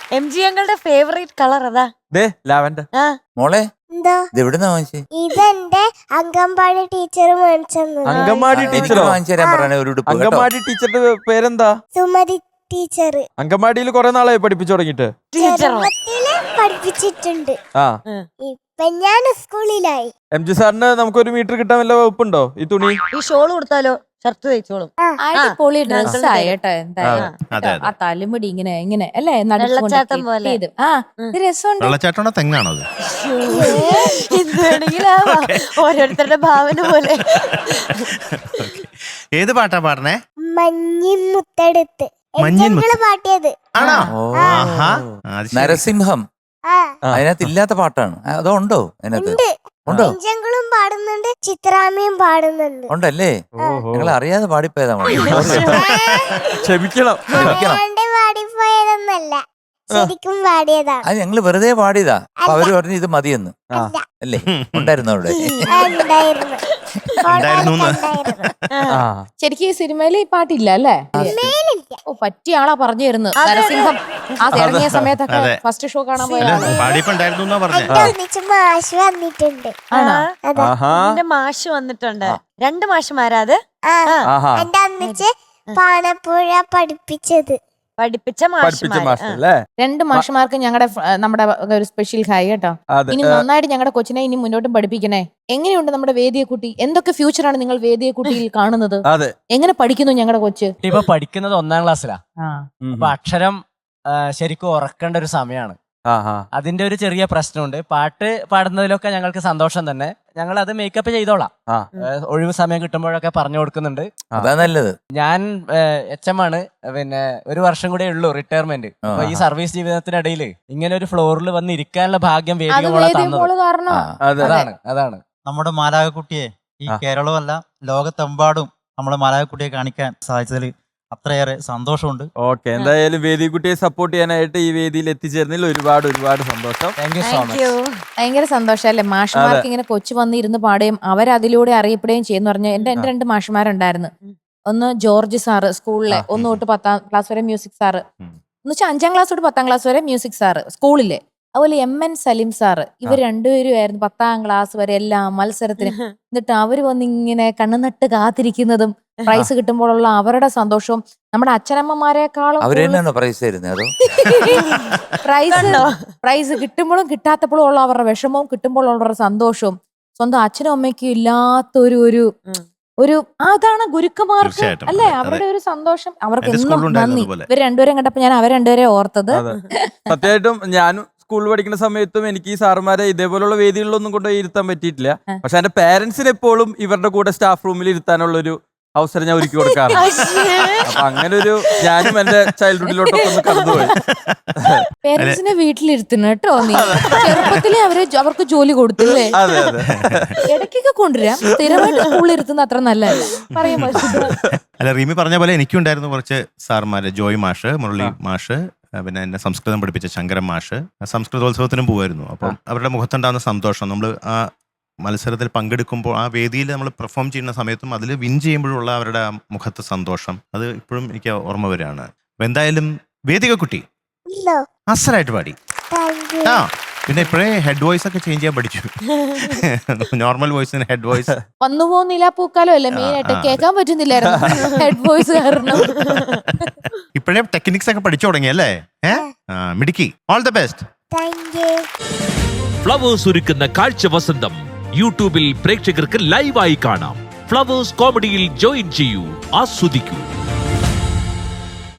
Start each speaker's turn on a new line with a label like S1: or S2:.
S1: MG ഞങ്ങളുടെ favourite colour അതാ
S2: lavender.
S3: മോളെ
S4: എന്തോ
S3: ഇതെവിടുന്നാ വാങ്ങിച്ചേ?
S4: ഇതെന്റെ അംഗൻവാടി ടീച്ചർ മേടിച്ചത്.
S2: അങ്കമാടി ടീച്ചറോ?
S3: വാങ്ങിച്ചു തരാൻ പറഞ്ഞ ഒരു ഉടുപ്പ് കേട്ടോ.
S2: അങ്കമാടി ടീച്ചറിന്റെ പേരെന്താ?
S4: സുമതി ടീച്ചർ.
S2: അങ്കമാടിയിൽ കുറെ നാളായി പഠിപ്പിച്ചു തുടങ്ങിട്ട്.
S4: ചെറുപ്പത്തില് പഠിപ്പിച്ചിട്ടുണ്ട്. ഇപ്പൊ ഞാൻ സ്കൂളിലായി.
S2: MG സാറിന് നമുക്കൊരു മീറ്റർ കിട്ടാൻ വല്ല വകുപ്പുണ്ടോ ഈ തുണി?
S1: ഈ ഷോൾ കൊടുത്താലോ? ഷർട്ട് തയ്ച്ചോളും.
S5: അടിപൊളി ഡ്രസ്സായി കേട്ടോ. എന്തായാലും ആ തലമുടി ഇങ്ങനെ ഇങ്ങനെ അല്ലേ
S1: വെള്ളച്ചാട്ടം പോലെ.
S5: രസമുണ്ട്.
S6: വെള്ളച്ചാട്ടമാണോ തെങ്ങാണോ അത്?
S1: എന്ത് ഓരോരുത്തരുടെ ഭാവന പോലെ.
S6: ഏത് പാട്ടാ പാടണേ?
S4: മഞ്ഞിൻ മുത്തെടുത്ത് പാട്ടിയത്
S6: ആണോ?
S3: നരസിംഹം അതിനകത്ത് ഇല്ലാത്ത പാട്ടാണ്. അതോ ഉണ്ടോ അതിനകത്ത്? ഉണ്ടോ?
S4: പെഞ്ചങ്ങളും പാടുന്നുണ്ട്, ചിത്രാമ്മയും പാടുന്നുണ്ട്.
S3: ഉണ്ടല്ലേ? നിങ്ങൾ അറിയാതെ പാടിപ്പോയതാ.
S2: ക്ഷമിക്കണം.
S4: പാടിപ്പോയതൊന്നല്ല, ശരിക്കും പാടിയതാണ്.
S3: അത് ഞങ്ങള് വെറുതെ പാടിയതാ. അപ്പൊ അവര് പറഞ്ഞു ഇത് മതിയെന്ന്. അല്ലേ? ഉണ്ടായിരുന്നു അവിടെ?
S5: ശരിക്കും ഈ സിനിമയിൽ ഈ പാട്ടില്ല അല്ലേ? ഓ, പറ്റിയ ആളാ പറഞ്ഞു തരുന്നത്. നരസിംഹം ആ ഇറങ്ങിയ സമയത്തൊക്കെ ഫസ്റ്റ് ഷോ കാണാൻ പോയാലും
S4: മാഷ് വന്നിട്ടുണ്ട്.
S1: എന്റെ മാഷ് വന്നിട്ടുണ്ട്. 2 മാഷുമാരാ അത്?
S4: എന്റെ അന്നിച്ച് പാണപ്പുഴ പഠിപ്പിച്ചത്.
S1: പഠിപ്പിച്ച
S5: 2 മാഷുമാർക്ക് നമ്മുടെ ഒരു സ്പെഷ്യൽ ഹായ് കേട്ടോ. ഇനി നന്നായിട്ട് ഞങ്ങളുടെ കൊച്ചിനെ ഇനി മുന്നോട്ടും പഠിപ്പിക്കണേ. എങ്ങനെയുണ്ട് നമ്മുടെ വേദിയെ കുട്ടി? എന്തൊക്കെ ഫ്യൂച്ചറാണ് നിങ്ങൾ വേദിയെ കുട്ടിയിൽ കാണുന്നത്? എങ്ങനെ പഠിക്കുന്നു ഞങ്ങളുടെ കൊച്ച്?
S7: ഇപ്പൊ പഠിക്കുന്നത് 1ാം ക്ലാസ്സിലാ. അപ്പൊ അക്ഷരം ശരിക്കും ഉറക്കേണ്ട ഒരു സമയമാണ്. അതിന്റെ ഒരു ചെറിയ പ്രശ്നമുണ്ട്. പാട്ട് പാടുന്നതിലൊക്കെ ഞങ്ങൾക്ക് സന്തോഷം തന്നെ. ഞങ്ങൾ അത് മേക്കപ്പ് ചെയ്തോളാം. ഒഴിവ് സമയം കിട്ടുമ്പോഴൊക്കെ പറഞ്ഞു കൊടുക്കുന്നുണ്ട്.
S3: അതാ നല്ലത്.
S7: ഞാൻ HM ആണ്. പിന്നെ 1 വർഷം കൂടെ ഉള്ളൂ റിട്ടയർമെന്റ്. അപ്പൊ ഈ സർവീസ് ജീവിതത്തിനിടയിൽ ഇങ്ങനെ ഒരു ഫ്ലോറിൽ വന്ന് ഇരിക്കാനുള്ള ഭാഗ്യം വേദികമോളെ തന്നത്. അതാണ്
S8: നമ്മുടെ മാലാകക്കുട്ടിയെ ഈ കേരളമല്ല ലോകത്തെമ്പാടും നമ്മുടെ മാലാകക്കുട്ടിയെ കാണിക്കാൻ സാധിച്ചതിൽ അത്രയേറെ സന്തോഷമുണ്ട്.
S2: ഓക്കെ, എന്തായാലും വേദിക്കുട്ടിയെ സപ്പോർട്ട് ചെയ്യാനായിട്ട് ഈ വേദിയിൽ എത്തിച്ചേർന്നതിൽ ഒരുപാട് സന്തോഷം.
S7: Thank you so much.
S5: ഭയങ്കര സന്തോഷല്ലേ മാഷുമാർക്ക് ഇങ്ങനെ കൊച്ചു വന്ന് ഇരുന്ന് പാടുകയും അവരതിലൂടെ അറിയപ്പെടുകയും ചെയ്യുന്ന പറഞ്ഞ എന്റെ 2 മാഷുമാരുണ്ടായിരുന്നു. ഒന്ന് ജോർജ് സാറ് സ്കൂളിലെ 1 തൊട്ട് 10ാം ക്ലാസ് വരെ മ്യൂസിക് സാറ്, എന്ന് വെച്ചാൽ 5ാം ക്ലാസ് തൊട്ട് 10ാം ക്ലാസ് വരെ മ്യൂസിക് സാറ് സ്കൂളിലെ. അതുപോലെ MN സലീം സാറ്. ഇവർ 2പേരുമായിരുന്നു 10ാം ക്ലാസ് വരെ എല്ലാ മത്സരത്തിനും. എന്നിട്ട് അവര് വന്ന് ഇങ്ങനെ കണ്ണുനട്ട് കാത്തിരിക്കുന്നതും പ്രൈസ് കിട്ടുമ്പോഴുള്ള അവരുടെ സന്തോഷവും നമ്മുടെ അച്ഛനമ്മമാരെക്കാളും പ്രൈസ് കിട്ടുമ്പോഴും കിട്ടാത്തപ്പോഴും ഉള്ള അവരുടെ വിഷമവും കിട്ടുമ്പോഴുള്ള അവരുടെ സന്തോഷവും സ്വന്തം അച്ഛനും അമ്മയ്ക്കും ഇല്ലാത്ത അതാണ് ഗുരുക്കന്മാർക്ക് അല്ലേ അവരുടെ ഒരു സന്തോഷം. അവർക്ക് എന്നും നന്ദി. ഇവർ 2പേരും കണ്ടപ്പോ ഞാൻ അവർ 2പേരെ ഓർത്തത്.
S2: സത്യമായിട്ടും ഞാനും സ്കൂളിൽ പഠിക്കുന്ന സമയത്തും എനിക്ക് ഈ സാറുമാരെ ഇതേപോലുള്ള വേദികളിലൊന്നും കൊണ്ടുപോയി ഇരുത്താൻ പറ്റിയിട്ടില്ല. പക്ഷെ എന്റെ പേരൻസിന് എപ്പോഴും ഇവരുടെ കൂടെ സ്റ്റാഫ് റൂമിൽ ഇരുത്താനുള്ള ഒരു അവസരം ഞാൻ ഒരുക്കി കൊടുക്കാറുണ്ട്. അപ്പൊ അങ്ങനെ ഒരു ഞാനും എന്റെ ചൈൽഡ്ഹുഡിലോട്ടൊക്കെ ഒന്ന് കടന്നുപോയി.
S5: പേരൻസിനെ വീട്ടിലിരുത്തുന്നു കേട്ടോ. നീ ചെറുപ്പത്തിലെ അവർക്ക് ജോലി കൊടുത്തില്ലേ? ഇടയ്ക്കൊക്കെ കൊണ്ടുവരാം. സ്ഥിരമായിട്ട് സ്കൂളിൽ ഇരുത്തുന്ന അത്ര നല്ലതല്ല. പറയാൻ
S6: അല്ല, റീമി പറഞ്ഞ പോലെ എനിക്കുണ്ടായിരുന്നു കുറച്ച് സാർമാര്. ജോയ് മാഷ്, മുരളി മാഷ്, പിന്നെ എന്നെ സംസ്കൃതം പഠിപ്പിച്ച ശങ്കരൻ മാഷ്. സംസ്കൃതോത്സവത്തിനും പോകുമായിരുന്നു. അപ്പം അവരുടെ മുഖത്തുണ്ടാകുന്ന സന്തോഷം, നമ്മൾ ആ മത്സരത്തിൽ പങ്കെടുക്കുമ്പോൾ ആ വേദിയിൽ നമ്മൾ പെർഫോം ചെയ്യുന്ന സമയത്തും അതിൽ വിൻ ചെയ്യുമ്പോഴുള്ള അവരുടെ മുഖത്തെ സന്തോഷം അത് ഇപ്പോഴും എനിക്ക് ഓർമ്മ വരികയാണ്. അപ്പൊ എന്തായാലും വേദികക്കുട്ടി അസലായിട്ട് പാടി. പിന്നെ ഇപ്പോഴേ ഹെഡ് വോയിസ് ഒക്കെ ചേഞ്ച് ചെയ്യാൻ പഠിച്ചു. നോർമൽ വോയിസിന് ഹെഡ് വോയിസ്
S5: വന്നു പോകുന്നില്ല. പൂക്കാലം അല്ലേ മെയിൻ ആയിട്ട് കേൾക്കാൻ പറ്റുന്നില്ലായിരുന്നു ഹെഡ് വോയിസ് കാരണം.
S6: ഇപ്പോഴേ ടെക്നിക്സ് ഒക്കെ പഠിച്ചു തുടങ്ങി അല്ലേ? മിടുക്കി. All the best.
S9: ഫ്ലവേഴ്സ് ഒരുക്കുന്ന കാഴ്ച വസന്തം യൂട്യൂബിൽ പ്രേക്ഷകർക്ക് ലൈവായി കാണാം. ഫ്ലവേഴ്സ് കോമഡിയിൽ ജോയിൻ ചെയ്യൂ, ആസ്വദിക്കൂ.